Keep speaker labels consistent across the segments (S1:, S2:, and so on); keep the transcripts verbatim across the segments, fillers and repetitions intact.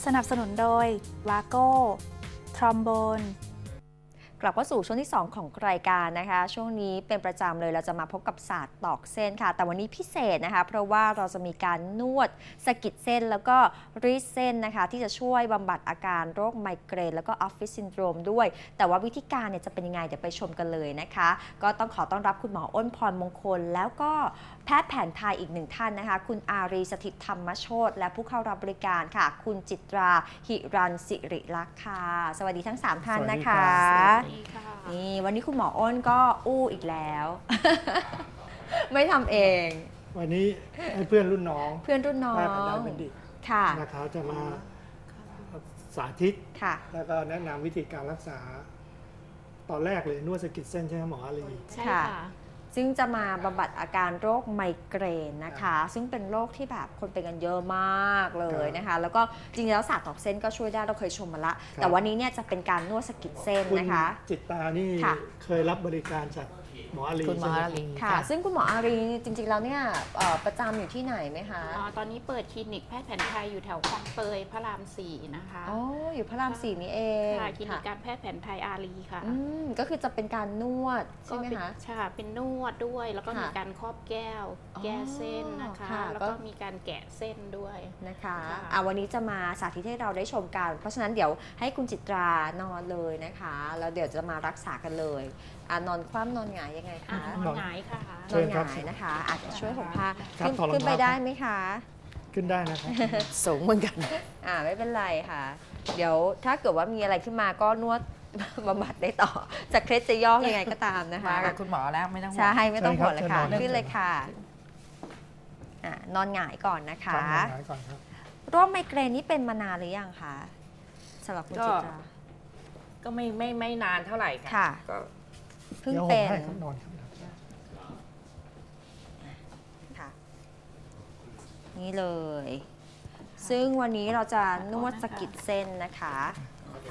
S1: สนับสนุนโดยวาโก้ทรอมโบน
S2: กลับเข้าสู่ช่วงที่สองของรายการนะคะช่วงนี้เป็นประจำเลยเราจะมาพบกับศาสตร์ตอกเส้นค่ะแต่วันนี้พิเศษนะคะเพราะว่าเราจะมีการนวดสะกิดเส้นแล้วก็รีดเส้นนะคะที่จะช่วยบำบัดอาการโรคไมเกรนแล้วก็ออฟฟิศซินโดรมด้วยแต่ว่าวิธีการเนี่ยจะเป็นยังไงเดี๋ยวไปชมกันเลยนะคะก็ต้องขอต้อนรับคุณหมออ้นพรมงคลแล้วก็แพทย์แผนไทยอีกหนึ่งท่านนะคะคุณอารีสถิตธรรมโชติและผู้เข้ารับบริการค่ะคุณจิตราหิรันสิริลักษณ์ค่ะสวัสดีทั้งสามท่านนะคะนี่วันนี้คุณหมออ้นก็อู้อีกแล้ว ไม่ทำเอง
S3: วันนี้ให้เพื่อนรุ่นน้อง
S2: เพื่อนรุ่นน้อง
S3: แพทย์แผนไทยบัณฑิต
S2: ค่ะ
S3: นะครับจะมาสาธิต
S2: ค่ะ
S3: แล้วก็แนะนำวิธีการรักษา ตอนแรกเลยนวดสะกิดเส้นใช่ไหมหมออารี
S4: ใช่ค่ะ
S2: ซึ่งจะมาบำบัดอาการโรคไมเกรนนะคะ ซึ่งเป็นโรคที่แบบคนเป็นกันเยอะมากเลยนะคะ แล้วก็จริงๆแล้วศาสตร์ตอกเส้นก็ช่วยได้เราเคยชมมาละแต่วันนี้เนี่ยจะเป็นการนวดสะกิดเส้น
S3: คุณ
S2: นะคะ
S3: จิตตานี่
S2: ค่ะ
S3: เคยรับบริการจากหมออารี
S4: คุณหมอ
S3: ใช่ไหม
S4: อารี
S2: ค่ะ
S4: ค่ะ
S2: ซึ่งคุณหมออารีจริงๆแล้วเนี่ยเอ่อประจำอยู่ที่ไหนไหมคะ
S4: อ่าตอนนี้เปิดคลินิกแพทย์แผนไทยอยู่แถวคลองเตยพระรามสี่นะคะ
S2: อ๋ออยู่พระรามสี่นี่เอง
S4: ค่ะคลินิกการแพทย์แผนไทยอารีค่ะ
S2: อืมก็คือจะเป็นการนวดใช่ไหม
S4: เป็น
S2: คะ
S4: ใช่เป็นนวดด้วย แล้วก็
S2: ค่ะ
S4: มีการครอบแก้ว
S2: อ๋อ
S4: แก้เส้นนะคะ
S2: ค่ะ
S4: แล้ว
S2: ก็
S4: ก็มีการแกะเส้นด้วย
S2: นะคะ
S4: ค่ะ
S2: อ่ะวันนี้จะมาสาธิตให้เราได้ชมกัน เพราะฉะนั้นเดี๋ยวให้คุณจิตรานอนเลยนะคะแล้วเดี๋ยวจะมารักษากันเลยอ่ะนอนคว่ำนอนหงายยังไง
S4: อ่า
S2: คะ
S4: นอนหงายค่ะ
S3: เชิ
S2: นอน
S3: ญ
S2: ห
S3: ครับ
S2: งายนะคะอาจจะช่วยห่มผ้า
S3: ครับ
S2: ขึ้น
S3: ถอดรองเท้า
S2: ขึ้นไปได้ไหมคะ
S3: ขึ้นได้นะครับ
S4: สูงเหมือนกัน
S2: อ่าไม่เป็นไรค่ะ เดี๋ยวถ้าเกิดว่ามีอะไรขึ้นมาก็นวด บำบัดได้ต่อจะเคล็ดจะย่อยังไงก็ตามนะคะ
S4: มากับคุณหมอแล้วไม่ต้องห่วง
S2: ใช่ไม่ต้องห่วงเลยค่ะ
S3: เชิญครับ
S2: ขึ้นเลยค่ะอ่ะนอนหงายก่อนนะ
S3: ครั
S2: คะ
S3: บหมอหงายก่อนครับ
S2: โรคไมเกรนนี่เป็นมานานหรือยังคะสำหรับคุณจิตรา
S5: ก็ไม่ไม่ไม่นานเท่าไหร่ค่ะ
S2: ค่ะ
S5: ก็
S2: เพิ่ง
S3: เดี๋ยวผม
S2: เป็น
S3: ให้ครับนอนครับ
S2: ค่ะนี่เลย ซึ่งวันนี้เราจะนวดสะกิดเส้นนะคะนะคะ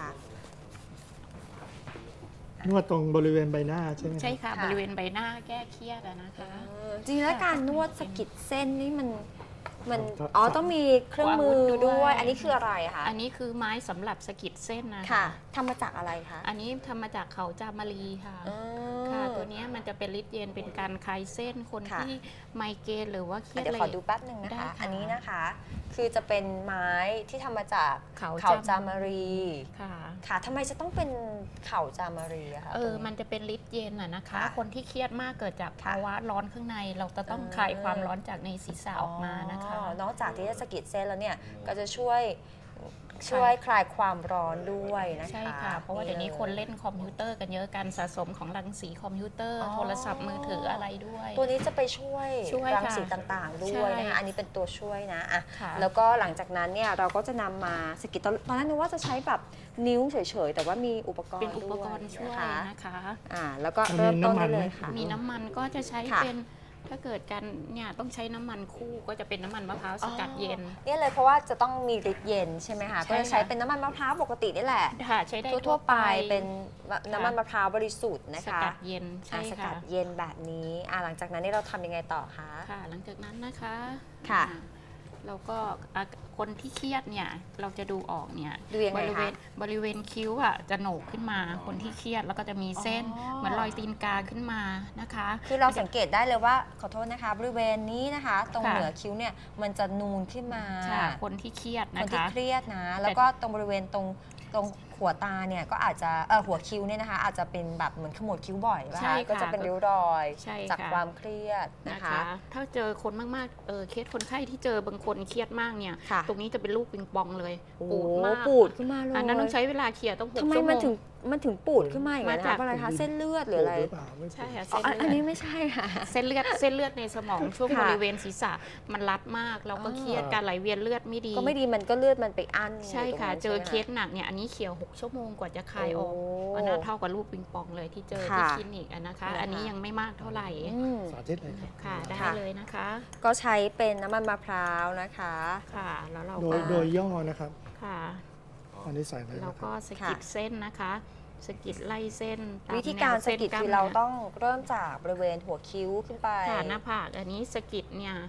S3: นวดตรงบริเวณใบหน้าใช่ไหม
S4: ใช่ค่ะ
S2: ค่ะ
S4: บริเวณใบหน้าแก้เครียดอะนะคะ
S2: จริงๆแล้วการนวดสะกิดเส้นนี่มันมัน
S3: ครับ
S2: อ๋อต้องมีเครื่องมือ
S4: อาวุธด้
S2: ด้ว
S4: วย ย
S2: อันนี้คืออะไรคะ
S4: อันนี้คือไม้สำหรับสะกิดเส้นนะคะ
S2: ค่ะทำมาจากอะไรคะ
S4: อันนี้ทำมาจากเขาจามารีค่ะ
S2: อืม
S4: ค่ะ ตัวเนี้ยมันจะเป็นฤทธิ์เย็นเป็นการคลายเส้นคน
S2: ค่ะ
S4: ที่ไมเกรนหรือว่าเครียด
S2: เดี๋ยว
S4: อะไร
S2: ขอดูแป๊บหนึ่งนะ
S4: ได้
S2: คะ
S4: ค่ะ
S2: อันนี้นะคะ คือจะเป็นไม้ที่ทำมาจาก
S4: เขา
S2: เขาจา
S4: จาม
S2: มารี
S4: ค่ะ
S2: ค่ะทำไมจะต้องเป็นเขาจามารีอะคะ
S4: เออ
S2: ตรง
S4: มันจะเป็นฤทธิ์เย็นอะนะคะ
S2: ค่ะ
S4: คนที่เครียดมากเกิดจาก
S2: ค่ะ
S4: ภาวะร้อนข้างใน เราจะต้อง
S2: อืม
S4: คลายความร้อนจากในศีรษะออกมานะคะ
S2: อ๋อนอกจากที่จะสะกิดเส้นแล้วเนี่ยก็จะช่วยช่วยคลายความร้อนด้วยนะคะ
S4: ใช่ค่ะ เพราะว่าเดี๋ยวนี้คนเล่นคอมพิวเตอร์กันเยอะการสะสมของรังสีคอมพิวเตอร์
S2: อ๋อ
S4: โทรศัพท์มือถืออะไรด้วย
S2: ตัวนี้จะไปช่วย
S4: ช่วย
S2: รัง
S4: ค่ะ
S2: สีต่างๆ ด้
S4: ใช่
S2: วยนะคะอันนี้เป็นตัวช่วยนะอ่ะ
S4: ค่ะ
S2: แล้วก็หลังจากนั้นเนี่ยเราก็จะนำมาสะกิดตอนตอนแรกนึกว่าจะใช้แบบนิ้วเฉยๆ แต่ว่ามีอุปกรณ์
S4: เป็นอุปกรณ์
S2: ด้
S4: ช่วย
S2: นะคะ
S4: นะคะ
S2: อ่าแล้วก็
S3: มี
S2: เริ่มต้น
S3: น้ำมัน
S2: ได้
S3: ไหม
S2: เลยค่ะ
S4: มีน้ำมันก็จะใช้
S2: ค่ะ
S4: เป็นถ้าเกิดกันเนี่ยต้องใช้น้ำมันคู่ก็จะเป็นน้ำมันมะพร้าวสกัดเย็น
S2: เนี่ยเลยเพราะว่าจะต้องมีฤทธิ์เย็นใช่ไหมคะ
S4: ใช่
S2: ก็จะใช้
S4: ค่ะ
S2: เป็นน้ำมันมะพร้าวปกตินี่แหละ
S4: ค่ะใช้ได้
S2: ทั่วๆไปเป็นน้ำมันมะพร้าวบริสุทธิ์นะ
S4: ส
S2: คะ
S4: กัดเย็นใช่
S2: อ่าสกั
S4: ค่ะ
S2: ดเย็นแบบนี้อ่าหลังจากนั้นนี่เราทำยังไงต่อคะ
S4: ค่ะ หลังจากนั้นนะคะ
S2: ค่ะ
S4: อ่าเราก็อ่ะคนที่เครียดเนี่ยเราจะดูออกเนี่ย
S2: ดูยัง
S4: บ
S2: ไง
S4: ริเว
S2: คะ
S4: ณบริเวณคิ้วอ่ะจะโหนกขึ้นมาคนที่เครียดแล้วก็จะมีเส้น
S2: อ๋อ
S4: เหมือนรอยตีนกาขึ้นมานะคะ
S2: คือเราสังเกตได้เลยว่าขอโทษนะคะบริเวณนี้นะคะ ตรง
S4: ค่ะ
S2: เหนือคิ้วเนี่ยมันจะนูนขึ้นมา
S4: ค่ะคนที่เครียด
S2: ค
S4: นะ
S2: นที่
S4: คะ
S2: เครียดนะ แล้วก็ตรงบริเวณตรงตรงหัวตาเนี่ยก็อาจจะเออหัวคิ้วเนี่ยนะคะ อาจจะเป็นแบบเหมือนขมวดคิ้วบ่อยป่ะ
S4: ใช่
S2: คะ
S4: ค่ะ
S2: ก็จะเป็นริ้วรอย
S4: ใช่
S2: จาก
S4: ค่ะ
S2: ความเครียดนะ
S4: นะคะ คะ ถ้าเจอคนมากๆเออเคสคนไข้ที่เจอบางคนเครียดมากเนี่ย
S2: ค่ะ
S4: ตรงนี้จะเป็นลูกปิงปองเลย
S2: โอ้
S4: ปูดมาก
S2: ปูดขึ้นมาเลย
S4: อันนั้นต้องใช้เวลาเคลียร์ต้องหก
S2: ทำไม
S4: ชั่วโม
S2: มัน
S4: ง
S2: ถึงมันถึงปูดขึ้นมาอย่างนั้น
S4: มา
S2: นะ
S4: จาก
S2: เพราะอะไรคะเส้นเลือดหรืออะไร
S3: หรือเปล่าไม่
S4: ใช่ค่ะ
S2: อ๋อ
S4: เส้น
S2: อัน
S4: เลื
S2: นี้
S4: อด
S2: ไม่ใช่ค่ะ
S4: เส้นเลือดเส้นเลือดในสมองช่วง
S2: ค่ะ
S4: บริเวณศีรษะมันรัดมากเราก็เครียด
S2: อ๋อ
S4: การไหลเวียนเลือดไม่ดี
S2: ก็ไม่ดีมันก็เลือดมันไปอั้น
S4: ใช่ค่ะ
S2: ยู่ตรงนั้น
S4: เจอ
S2: ใช่ไหม
S4: เคสหนักเนี่ยอันนี้เขียวหกชั่วโมงกว่าจะคลายออก
S2: โอ้
S4: อันนั้นเท่ากับลูกปิงปองเลยที่เจอ
S2: ค่ะ
S4: ที่คลินิกอะนะคะ
S2: นะคะ
S4: อันนี้ยังไม่มากเท่าไหร่
S2: อืม
S3: สาธิตเลยครับ
S4: ค่ะได้
S2: ค่ะ
S4: เลยนะคะ
S2: ก็ใช้เป็นน้ำมันมะพร้าวนะคะ
S4: ค่ะแล้วเรา
S3: โด
S4: ก็
S3: ยโดยย่อนะครับ
S4: ค่ะ
S3: อันนี้ใส่เลย
S4: เรา
S3: นะค
S4: ก็
S3: รับ
S4: สะกิดเส้นนะคะสะกิดไล่เส้นตม
S2: วิธีการ
S4: แนว
S2: สะ
S4: เน
S2: กิด
S4: ล้ม
S2: คือ
S4: นื้
S2: เราต้องเริ่มจากบริเวณหัวคิ้วขึ้นไป
S4: ค่ะหน้าผากอันนี้สะกิดเนี่ย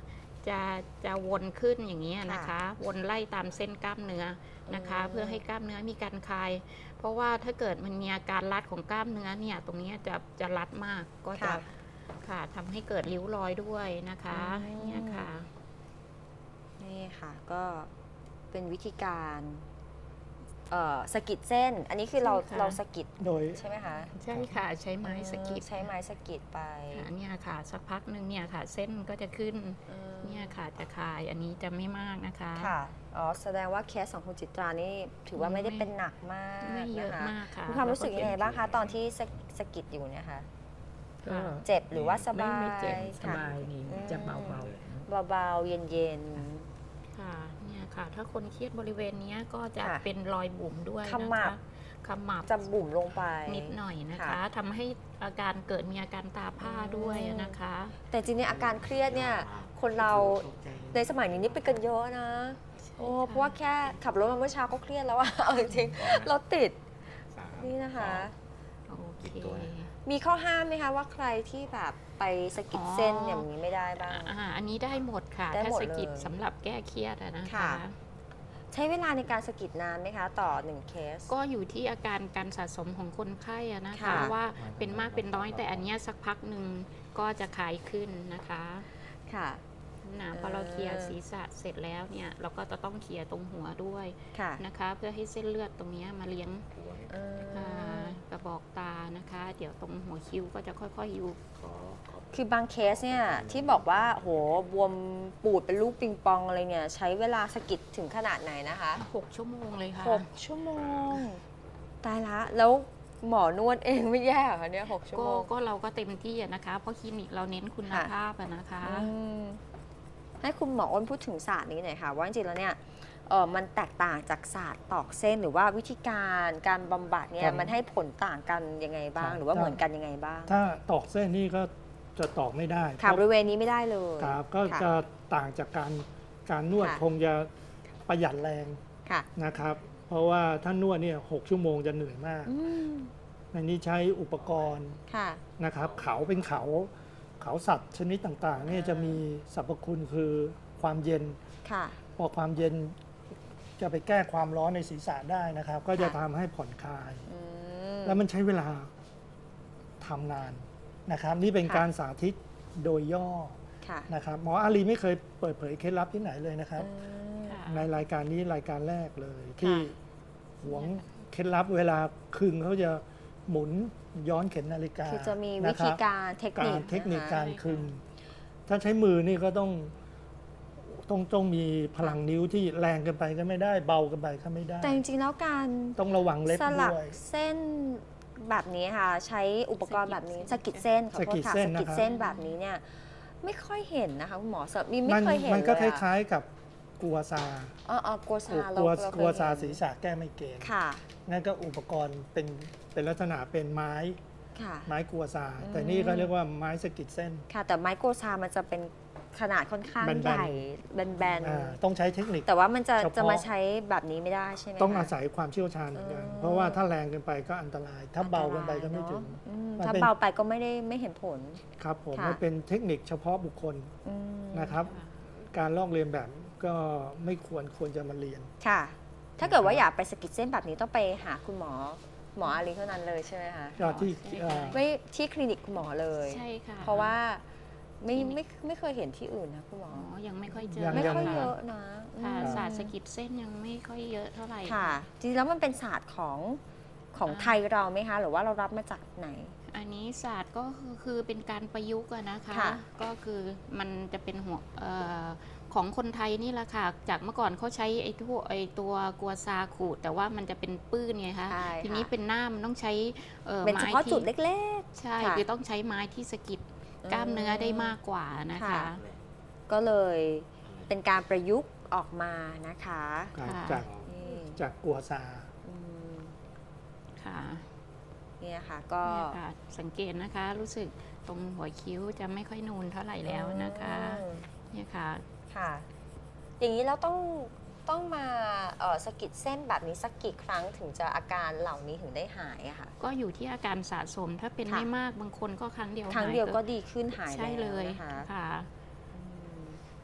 S4: จะจะวนขึ้นอย่างนี้ยนะคะ วนไล่ตามเส้นกล้ามเนื้อนะคะ เพื่อให้กล้ามเนื้อมีการคลาย เพราะว่าถ้าเกิดมันมีอาการรัดของกล้ามเนื้อเนี่ยตรงนี้จะจะรัดมากก็จะ
S2: ค่ะ
S4: ค่ะทำให้เกิดริ้วรอยด้วยนะคะ
S2: อืม
S4: เนี่ยค่ะ
S2: นี่ค่ะก็เป็นวิธีการเอ่อสะกิดเส้น อันนี้คือเรา
S4: ใช่ค่ะ
S2: เราสะกิด
S3: โดย
S2: ใช่ไหมคะ
S4: ใช่ค่ะใช้ไม้สะกิด
S2: ใช้ไม้สะกิดไป
S4: ค่ะเนี่ยค่ะสักพักหนึ่งเนี่ยค่ะ เส้นก็จะขึ้น
S2: อืม
S4: เนี่ยค่ะจะคลายอันนี้จะไม่มากนะคะ
S2: ค่ะอ๋อแสดงว่าเคสของคุณจิตรานี่ถือว่าไม่ได้เป็นหนักมาก
S4: ไม่เยอะ
S2: นะคะ
S4: มากค่ะ
S2: มีความรู้สึกยังไงบ้างคะตอนที่สะสะกิดอยู่เนี่ยค่ะ
S5: ก็
S2: เจ็บหรือว่าสบาย
S5: ไม่เจ็บส
S2: ค่ะ
S5: บายนี่
S2: อืม
S5: จะเบา
S2: เบาๆ เย็น
S4: ค่ะเนี่ยค่ะ ถ้าคนเครียดบริเวณเนี้ยก็จะ
S2: ค่ะ
S4: เป็นรอยบุ๋มด้วย
S2: ขมับ
S4: นะคะขมับ
S2: ๆ จะบุ่มลงไป
S4: นิดหน่อยนะคะ
S2: ค่ะ
S4: ทำให้อาการเกิดมีอาการตาผ้าด้วย
S2: อืม
S4: นะคะ
S2: แต่จริงๆอาการเครียดเนี่ย คนเราในสมัยนี้นี่เป็นกันเยอะนะ โอ้เพราะว่าแค่ขับรถมาเมื่อเช้าก็เครียดแล้วอะ เอาจริงๆรถติด นี่นะคะ
S4: โอเค
S2: มีข้อห้ามไหมคะว่าใครที่แบบไปสะกิดเส้นอย่างนี้ไม่ได้บ้าง
S4: อ่าอันนี้ได้หมดค่ะ
S2: ได้
S4: ถ้า
S2: หมด
S4: สะกิด
S2: เลย
S4: สำหรับแก้เครียดอะนะคะ
S2: ค่ะ ใช้เวลาในการสะกิดนานไหมคะ ต่อหนึ่งเคส
S4: ก็อยู่ที่อาการการสะสมของคนไข้อะนะคะ
S2: ค่ะ
S4: ว่าเป็นมากเป็นน้อยแต่อันเนี้ยสักพักหนึ่งก็จะคลายขึ้นนะคะ
S2: ค่ะ
S4: นะพอเราเคลียร์ศีรษะเสร็จแล้วเนี่ยเราก็จะต้องเคลียร์ตรงหัวด้วย
S2: ค่ะ
S4: นะคะ เพื่อให้เส้นเลือดตรงเนี้ยมาเลี้ยง
S2: เออ
S4: อ่ากระบอกตานะคะ เดี๋ยวตรงหัวคิ้วก็จะค่อยๆยุบ
S2: คือบางเคสเนี่ยที่บอกว่าโหบวมปูดเป็นลูกปิงปองอะไรเนี่ย ใช้เวลาสะกิดถึงขนาดไหนนะคะ
S4: หกชั่วโมงเลยค่ะ
S2: หกชั่วโมง ตายละ แล้วหมอนวดเองไม่แย่เหรอคะเนี่ยหกชั่ว
S4: ก็
S2: โมง
S4: ก็เราก็เต็มที่อะนะคะ เพราะคลินิกเราเน้นคุณ
S2: ค่ะ
S4: ภาพอะนะคะ
S2: อืมให้คุณหมออ้นพูดถึงศาสตร์นี้หน่อยค่ะ ว่าจริงๆแล้วเนี่ยเออมันแตกต่างจากศาสตร์ตอกเส้นหรือว่าวิธีการการบำบัดเนี่
S3: ครั
S2: ย
S3: บ
S2: มันให้ผลต่างกันยังไงบ้าง
S3: ครับ
S2: หรือว่าเหมือนกันยังไงบ้าง
S3: ถ้าตอกเส้นนี่ก็จะตอกไม่ได้
S2: ค่ะบ
S3: เพราะ
S2: ริเวณนี้ไม่ได้เลย
S3: ครับก็
S2: ค่ะ
S3: จะต่างจากการการนวด
S2: ค่ะ
S3: คงจะประหยัดแรง
S2: ค่ะ
S3: นะครับ เพราะว่าถ้านวดเนี่ยหกชั่วโมงจะเหนื่อยมาก
S2: อืม
S3: ในนี้ใช้อุปกรณ์
S2: ค่ะ
S3: นะครับเขาเป็นเขาเขาสัตว์ชนิดต่างๆเนี่ยจะมีสรรพคุณคือความเย็น
S2: ค่ะ
S3: พอความเย็นจะไปแก้ความร้อนในศีรษะได้นะครับ ก็จะ
S2: ค่ะ
S3: ทำให้ผ่อนคลาย
S2: อืม
S3: แล้วมันใช้เวลาทำนานนะครับ นี่เป็น
S2: ค่ะ
S3: การสาธิตโดยย่อ
S2: ค่ะ
S3: นะครับหมออาลีไม่เคยเปิดเผยเคล็ดลับที่ไหนเลยนะครับ
S2: อืม
S4: ค่ะ
S3: ในรายการนี้รายการแรกเลย ที่หวงเคล็ดลับเวลาคึงเขาจะหมุนย้อนเข็มนาฬิกา
S2: คือจะมีวิ
S3: นะค
S2: ธี
S3: รับ
S2: การเทคนิ
S3: กา
S2: ค
S3: รเทคนิค
S2: นะคะ
S3: การคึง ถ้าใช้มือนี่ก็ต้องต้องต้องมีพลังนิ้วที่แรงเกินไปก็ไม่ได้เบาเกินไปก็ไม่ได้
S2: แต่จริงๆแล้วการ
S3: ต้องระวังเล็บ
S2: สลัก
S3: ด้วย
S2: เส้นแบบนี้ค่ะ ใช้อุปกรณ์แบบนี้สะกิดเส้นขอโทษค่ะ
S3: สะกิดเส้น
S2: สะกิด
S3: นะครับ
S2: เส้นแบบนี้เนี่ย ไม่ค่อยเห็นนะคะคุณหมอสมีไม่
S3: มัน
S2: เคยเห็น
S3: มันก็
S2: เล
S3: ค
S2: ยอะ
S3: ล้ายๆกับกัวซา
S2: อ๋ออ๋อกลัวซาเรา
S3: กลัว
S2: เราเคย
S3: กลัวซา
S2: เห็น
S3: ศีรษะแก้ไม่เกณฑ์
S2: ค่ะ
S3: นั่นก็อุปกรณ์เป็นเป็นลักษณะเป็นไม้
S2: ค่ะ
S3: ไม้กัวซา
S2: อืม
S3: แต่นี่ก็เรียกว่าไม้สะกิดเส้น
S2: ค่ะ แต่ไม้โกซามันจะเป็นขนาดค่อนข้าง
S3: แบนๆ
S2: ใหญ่แบน
S3: อ่าต้องใช้เทคนิค
S2: ๆแต่ว่ามันจะ
S3: เฉพาะ
S2: จะมาใช้แบบนี้ไม่ได้ใช่ไหม
S3: ต้อง
S2: คะ
S3: อาศัยความเชี่ยวชาญเหมือนกัน
S2: อ๋อ
S3: เพราะว่าถ้าแรงเกินไปก็อันตราย ถ้าเบาเกินไปก็ไม่ถึง
S2: อันตรายเนอะอืม
S3: มัน
S2: ถ้า
S3: เป็น
S2: เบาไปก็ไม่ได้ไม่เห็นผล
S3: ครับผม
S2: ค่ะ
S3: มันเป็นเทคนิคเฉพาะบุคคล
S2: อืม
S3: นะครับ การลอกเรียนแบบก็ไม่ควรควรจะมาเรียน
S2: ค่ะ ถ้าเกิดว่าอยากไปสะกิดเส้นแบบนี้ต้องไปหาคุณหมอหมออาลีเท่านั้นเลยใช่ไหมคะ
S3: ก็ที่
S4: ใช่
S3: เอ่อ
S2: ไม่ที่คลินิกคุณหมอเลย
S4: ใช่ค่ะ
S2: เพราะว่าไม่ไม่ไม่เคยเห็นที่อื่นนะคุณหมอ
S4: อ๋อยังไม่ค่อยเจ
S3: ยั
S4: อ
S3: ง
S2: ไม่ค่อย
S3: ยัง
S2: เยอะนะ
S4: ค่ะ
S2: อืม
S4: ศาสตร์สะกิดเส้นยังไม่ค่อยเยอะเท่าไหร่
S2: ค่ะ จริงๆแล้วมันเป็นศาสตร์ของของไทยเราไหมคะ หรือว่าเรารับมาจากไหน
S4: อันนี้ศาสตร์ก็คือคือเป็นการประยุกต์อะนะคะ
S2: ค่ะ
S4: ก็คือมันจะเป็นหัวเอ่อของคนไทยนี่แหละค่ะ จากเมื่อก่อนเขาใช้ไอ้ทั่วไอ้ตัวกัวซาขูดแต่ว่ามันจะเป็นปื้นไงคะ
S2: ใช่
S4: ทีนี้
S2: ค่ะ
S4: เป็นหน้ามันต้องใช้เอ่อ
S2: เป็นเฉ
S4: ไม้
S2: พาะ
S4: ที่
S2: จุดเล็ก
S4: ใช่
S2: ค่ะ
S4: คือต้องใช้ไม้ที่สะกิดกล้ามเนื้อได้มากกว่านะคะ
S2: ค่ะ ๆ ก็เลยเป็นการประยุกต์ออกมานะคะ
S3: ครับ
S4: ค่ะ
S3: จาก
S2: นี่
S3: จากกัวซา
S2: อืม
S4: ค่ะ
S2: เนี่ยค่ะ ก็
S4: เนี่ยค่ะสังเกตนะคะ รู้สึกตรงหัวคิ้วจะไม่ค่อยนูนเท่าไหร่แล้วนะคะ
S2: อืม
S4: เนี่ยค่ะ
S2: ค่ะ อย่างนี้เราต้องต้องมาเอ่อสะกิดเส้นแบบนี้สักกี่ครั้งถึงจะอาการเหล่านี้ถึงได้หายอะค่ะ
S4: ก็อยู่ที่อาการสะสมถ้าเป็น
S2: ค่ะ
S4: ไม่มากบางคนก็ครั้งเดียว
S2: ครั้ง
S4: หา
S2: เดียวก็ดีขึ้นหาย
S4: ใช่เลย
S2: นะคะ
S4: ค่ะ
S2: อืม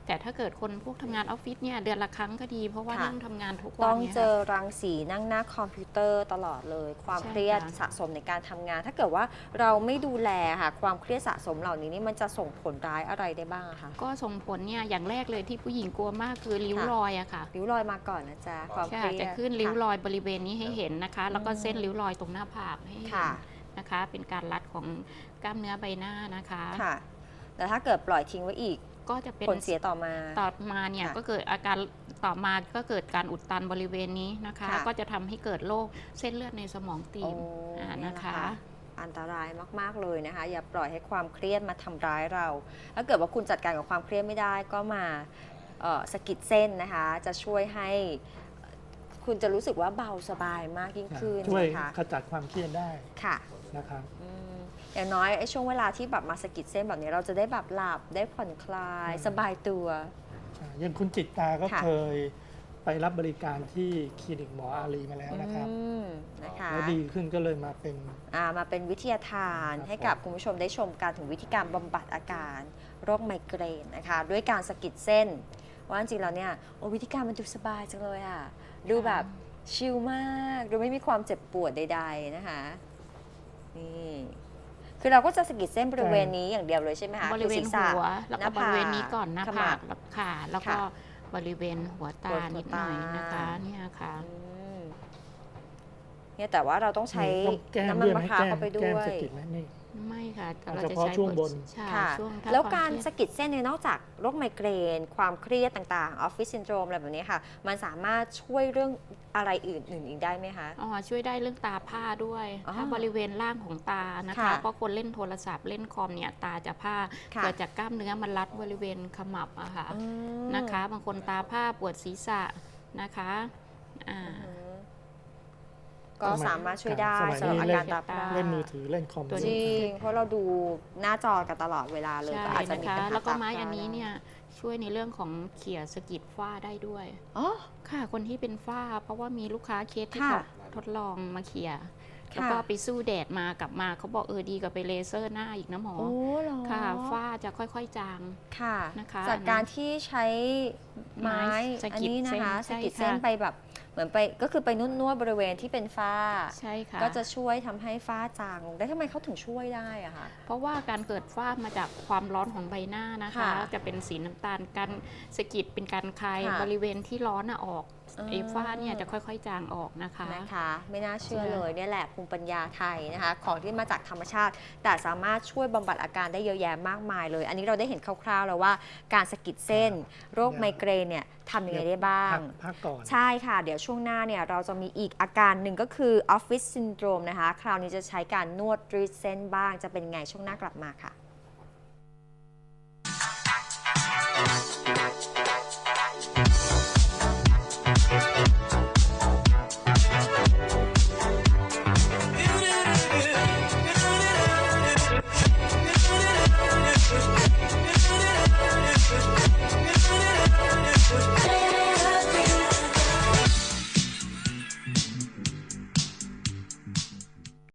S4: แต่ถ้าเกิดคนพวกทำงานออฟฟิศเนี่ยเดือนละครั้งก็ดี เพราะว่า
S2: ค่ะ
S4: นั่งทำงานทุกวั
S2: ต้
S4: น
S2: อง
S4: เนี่ย
S2: เจอรังสีนั่งหน้าคอมพิวเตอร์ตลอดเลย ความ
S4: ใช่
S2: เครียด
S4: ค่ะ
S2: สะสมในการทำงาน ถ้าเกิดว่าเราไม่ดูแลค่ะความเครียดสะสมเหล่านี้นี่มันจะส่งผลร้ายอะไรได้บ้างอะคะ
S4: ก็ส่งผลเนี่ยอย่างแรกเลยที่ผู้หญิงกลัวมากคือริ้ว
S2: ค่ะ
S4: รอยอะค่ะ
S2: ริ้วรอยมาก่อนนะจ๊ะความเค
S4: ใช่
S2: รียด
S4: จะขึ้นริ้ว
S2: ค่ะ
S4: รอยบริเวณนี้ให้เห็นนะคะ แล้วก็
S2: อืม
S4: เส้นริ้วรอยตรงหน้าผากให้เห็น
S2: ค่ะ
S4: นะคะ เป็นการรัดของกล้ามเนื้อใบหน้านะคะ
S2: ค่ะ แต่ถ้าเกิดปล่อยทิ้งไว้อีก
S4: ก็จะเป็น
S2: ผลเสียต่อมา
S4: ต่อมาเนี่ย
S2: ค่ะ
S4: ก็เกิดอาการต่อมาก็เกิดการอุดตันบริเวณนี้นะคะ
S2: ค่ะ
S4: ก็จะทำให้เกิดโรคเส้นเลือดในสมองตี
S2: โอ้
S4: บอ่า
S2: เนี่ย
S4: นะ
S2: แหละ
S4: คะ
S2: อันตรายมากๆเลยนะคะ อย่าปล่อยให้ความเครียดมาทำร้ายเรา ถ้าเกิดว่าคุณจัดการกับความเครียดไม่ได้ก็มาเอ่อสะกิดเส้นนะคะ จะช่วยให้คุณจะรู้สึกว่าเบาสบายมากยิ่งขึ้น
S3: ช่วย
S2: นะคะ
S3: ขจัดความเครียดได้
S2: ค่ะ
S3: นะครับ
S2: อืมอย่างน้อยไอ้ช่วงเวลาที่แบบมาสะกิดเส้นแบบนี้เราจะได้แบบหลับได้ผ่อนคลาย
S3: อืม
S2: สบายตัว
S3: อย่างคุณจิตตาก็
S2: ค่ะ
S3: เคยไปรับบริการที่คลินิกหมออารีมาแล้วนะครับ
S2: อืมนะคะ
S3: แล้วดีขึ้นก็เลยมาเป็น
S2: อ่ามาเป็นวิทยาทาน
S3: ครับ
S2: ให้กับคุณผู้ชมได้ชมกันถึงวิธีการบำบัดอาการโรคไมเกรนนะคะด้วยการสะกิดเส้น ว่าจริงๆแล้วเนี่ยโอ้วิธีการมันดูสบายจังเลยอ่ะดูแบบชิลมากดูไม่มีความเจ็บปวดใดๆนะคะนี่คือเราก็จะสะกิดเส้นบริเวณนี้อย่างเดียวเลยใช่ไหมคะ
S4: บริเว
S2: คือ
S4: ณ
S2: ศีษะ
S4: หัวแล้ว
S2: ห
S4: ก็
S2: น้า
S4: บ
S2: ผาก
S4: ริเวณนี้ก่อนหน้า
S2: ขมั
S4: ผา
S2: บ
S4: กแล้วค่ะ แล้วก็
S2: ค่ะ
S4: บริเวณหัวตา
S2: หัว
S4: นิดหน่อย
S2: ตา
S4: นะคะเนี่ยค่ะ
S2: อืมเนี่ยแต่ว่าเราต้องใช้
S3: ต้องแก้ม
S2: น้ำมัน
S3: ด้วยไห
S2: มะ
S3: ม
S2: พร้าว
S3: แก้ม
S2: เข้าไปด้
S3: แก้ม
S2: วย
S3: สะกิดไหมนี่
S4: ไม่ค่ะแต่
S3: เอา
S4: เรา
S3: เฉ
S4: จะ
S3: พาะ
S4: ใช้
S3: ช่วงบน
S4: ใช่
S2: ค่ะ
S4: ช่วงถ้
S2: แล้ว
S4: ควม
S2: การ
S4: เคยด
S2: สะกิดเส้นเนี่ยนอกจากโรคไมเกรน ความเครียดต่างๆออฟฟิศซินโดรมอะไรแบบนี้ค่ะ มันสามารถช่วยเรื่องอะไรอื่นๆอีกได้ไหมคะ
S4: อ๋อช่วยได้เรื่องตาผ้าด้วย
S2: อ๋อ
S4: ถ้าบริเวณล่างของตานะคะ
S2: ค่ะ
S4: เพราะคนเล่นโทรศัพท์เล่นคอมเนี่ยตาจะผ้า
S2: ค่ะ
S4: เกิดจากกล้ามเนื้อมันรัดบริเวณขมับอะค่ะ
S2: อืม
S4: นะคะ บางคนตาผ้าปวดศีรษะนะคะอ่า
S2: อือฮึก็สามารถช่วยได้
S3: สมัย
S2: สำหรับ
S3: นี้
S2: อา
S3: เล่
S2: การ
S3: น
S2: ตาพร่า
S3: เล่นมือถือเล่นคอม
S4: ตัว
S2: จ
S4: นี้
S2: ริง เพราะเราดูหน้าจอกันตลอดเวลาเลย
S4: ใช่
S2: ก็อาจจะ
S4: นะ
S2: มี
S4: คะ
S2: ปัญหา
S4: แล้วก็
S2: ตา
S4: ไม้
S2: พร่า
S4: อันนี้
S2: ได้
S4: เนี่ยช่วยในเรื่องของเขี่ยสะกิดฝ้าได้ด้วย
S2: อ๋อ
S4: ค่ะคนที่เป็นฝ้า เพราะว่ามีลูกค้าเคสที่
S2: ค่ะ
S4: เขาทดลองมาเขี่ย
S2: ค่ะ
S4: แล้วก็ไปสู้แดดมากลับมาเขาบอกเออดีกว่าไปเลเซอร์หน้าอีกนะหมอ
S2: โอ้เหรอ
S4: ค่ะฝ้าจะค่อยๆจาง
S2: ค่ะ
S4: นะคะ
S2: จากการที่ใช้ไม้
S4: ไม้สะ
S2: อัน
S4: กิด
S2: นี้นะคะ
S4: เส้น
S2: สะกิด
S4: ใช่
S2: เส้น
S4: ค่ะ
S2: ไปแบบเหมือนไปก็คือไปนวดนวดบริเวณที่เป็นฝ้า
S4: ใช่ค่ะ
S2: ก็จะช่วยทำให้ฝ้าจางลงได้ทำไมเขาถึงช่วยได้อะคะ
S4: เพราะว่าการเกิดฝ้ามาจากความร้อนของใบหน้านะคะ
S2: ค่ะ
S4: จะเป็นสีน้ำตาลการสะกิดเป็นการคลาย
S2: ค่ะ
S4: บริเวณที่ร้อนน่ะออก
S2: อ่า
S4: ไอ้ฝ้าเนี่ยจะค่อยๆจางออกนะคะ
S2: นะคะ ไม่น่าเชื่อ
S4: ใช่
S2: เลยเนี่ยแหละภูมิปัญญาไทยนะคะ ของที่มาจากธรรมชาติ แต่สามารถช่วยบำบัดอาการได้เยอะแยะมากมายเลย อันนี้เราได้เห็นคร่าวๆแล้วว่าการสะกิดเส้น โรคไมเกรนเนี่ยทำยังไงได้บ้าง
S3: พักพักก่อน
S2: ใช่ค่ะ เดี๋ยวช่วงหน้าเนี่ยเราจะมีอีกอาการหนึ่งก็คือออฟฟิศซินโดรมนะคะ คราวนี้จะใช้การนวดรีดเส้นบ้าง จะเป็นไงช่วงหน้ากลับมาค่ะ